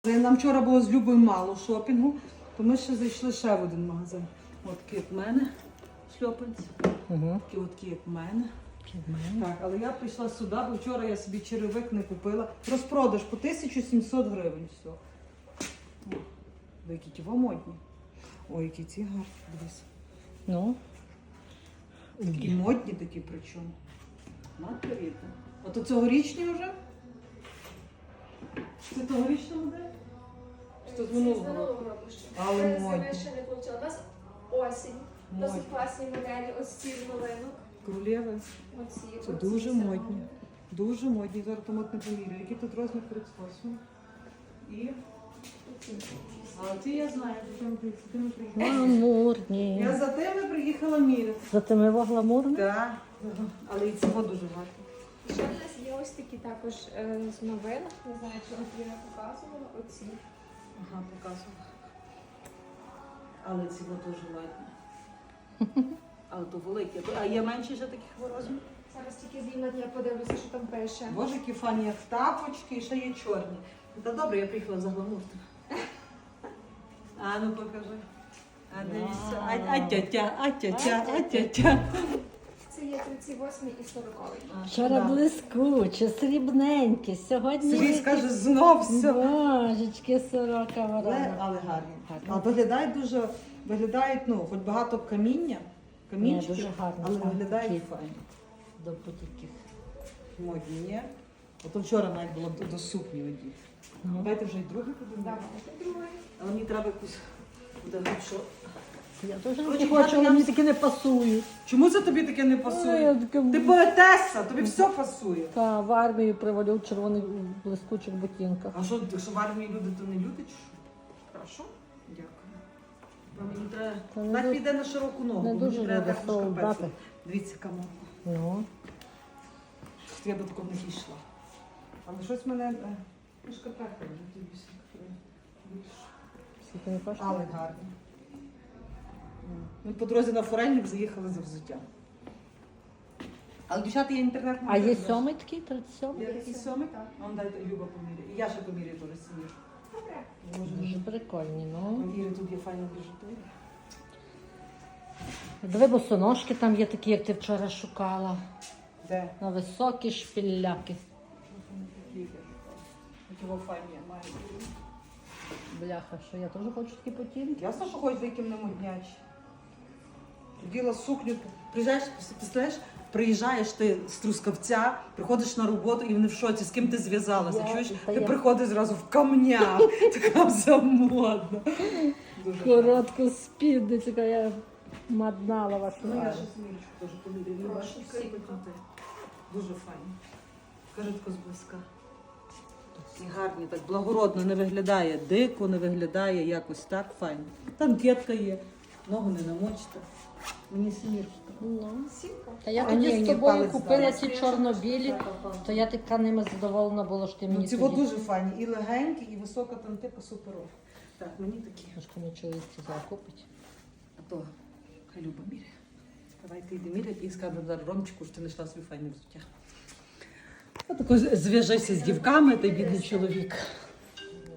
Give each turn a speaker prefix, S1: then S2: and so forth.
S1: Нам вчора було з Любою мало шопінгу, то ми ще зайшли ще в один магазин. От такі як в мене шльопанці, такі як в мене. Так, але я прийшла сюди, бо вчора я собі черевик не купила. Розпродаж по 1700 гривень. Все. О, які ті модні. Ой, які ці гарні, дивись.
S2: Ну.
S1: Такі модні такі причому. Надпередно. Ото цьогорічні вже? Це цьогорічна модель? Що з минулого року? Але модні.
S3: Ще не получила. У нас осінь. Досить класні моделі. Ось ці з новинок.
S1: Королєви. Це дуже модні. Дуже модні. Зараз там от не поміряю. Який тут розмір 38? І? А ці я знаю, за тими приїхала.
S2: Гламурні.
S1: Я за тими приїхала міряти.
S2: За тими гламурні?
S1: Так. Але і цього дуже гарно.
S3: Ще в нас є ось такі також з новинок. Не знаю, чи от я показувала. Оці.
S1: Ага, показувала. Але ці дуже ладні. Але то великі. А є менші ще таких розмірів?
S3: Зараз тільки з'їм я подивлюся, що там пише.
S1: Боже, які фані, як тапочки, і ще є чорні. Та добре, я приїхала за гламуртом. А ну покажи. А дивіться. А тятя, а тятя, а тятя.
S3: Це є 38 і 40.
S2: Вчора блискуче, срібненьке. Сьогодні...
S1: Сергій скаже, знов все.
S2: Божечки, сорока ворона.
S1: Але гарні. А виглядають дуже, ну, хоч багато каміння, камінчиків,
S2: Ні, дуже гарно,
S1: але
S2: так.
S1: виглядають
S2: Такі.
S1: файно.
S2: До будь-яких.
S1: Модні, ні? Ото вчора навіть було до сукні одіти. Давайте вже й друге подивимося.
S3: Давайте другий.
S1: Але мені треба якусь буде що.
S2: Я теж
S1: Коротше,
S2: не хочу, але
S1: я-
S2: мені таки не пасують.
S1: Чому це тобі таке не
S2: Ой,
S1: пасує?
S2: я таке-
S1: Ти поетеса, тобі все пасує.
S2: Та в армію привалю в червоних блискучих ботинках.
S1: А що, якщо в армії люди, то не люди чи що? Хорошо? Дякую. Бо мені треба...
S2: Та не
S1: Так
S2: дуже-
S1: піде на широку ногу,
S2: не
S1: бо мені
S2: дуже
S1: треба
S2: люди,
S1: теплу шкарпетку.
S2: солдати.
S1: Дивіться, кому.
S2: Ну.
S1: Я би такого не йшла. Але щось мене... Ну, шкарпетка вже тобі більше.
S2: Скільки не коштує?
S1: Але гарні. Ми по дорозі на Форельник заїхали за взуття. Але, дівчата, є інтернет.
S2: А є сьомий такий, 37?
S1: Є такий сьомий? А он дайте Люба поміряє. І я ще поміряю теж собі.
S3: Добре.
S2: Дуже прикольні, ну.
S1: Іри, тут є файна біжутерія.
S2: Диви, босоножки там є такі, як ти вчора шукала.
S1: Де?
S2: На високі шпіляки.
S1: Його файні, я маю.
S2: Бляха, що я теж хочу такі потінки.
S1: Ясно, що ходять яким не моднячі. Діла сукню, приїжджаєш, представляєш, приїжджаєш ти з Трускавця, приходиш на роботу і вони в шоці, з ким ти зв'язалася,
S2: Я-
S1: чуєш?
S2: та
S1: Ти
S2: я-
S1: приходиш зразу в камнях, така вся модна. Дуже
S2: Коротку спідницю, я маднала вашу.
S1: Ну, я
S2: маму.
S1: ще смірочку теж поміряю.
S3: Прошу,
S1: Бачиш,
S3: всі.
S1: дуже файно. Кажи тако зблизька. І гарні, так благородно не виглядає, дико не виглядає, якось так файно. Там дітка є, ногу не намочите. Мені смірочка.
S2: Ну.
S3: Сімка.
S2: Та я
S1: А ні,
S2: тоді
S1: ні,
S2: з тобою
S1: палець
S2: купила
S1: дала.
S2: ці чорно-білі, то я така ними задоволена була, що ти
S1: Ну,
S2: мені
S1: ці
S2: тоді.
S1: дуже файні, і легенькі, і висока там типу суперова. Так, мені такі.
S2: Трошки мені чоловік сказав купить.
S1: А то хай Люба міряє. Давай ти йди міряти і скажемо зараз Ромчику, що ти знайшла свій файне взуття. Отако зв'яжися з дівками, той бідний чоловік.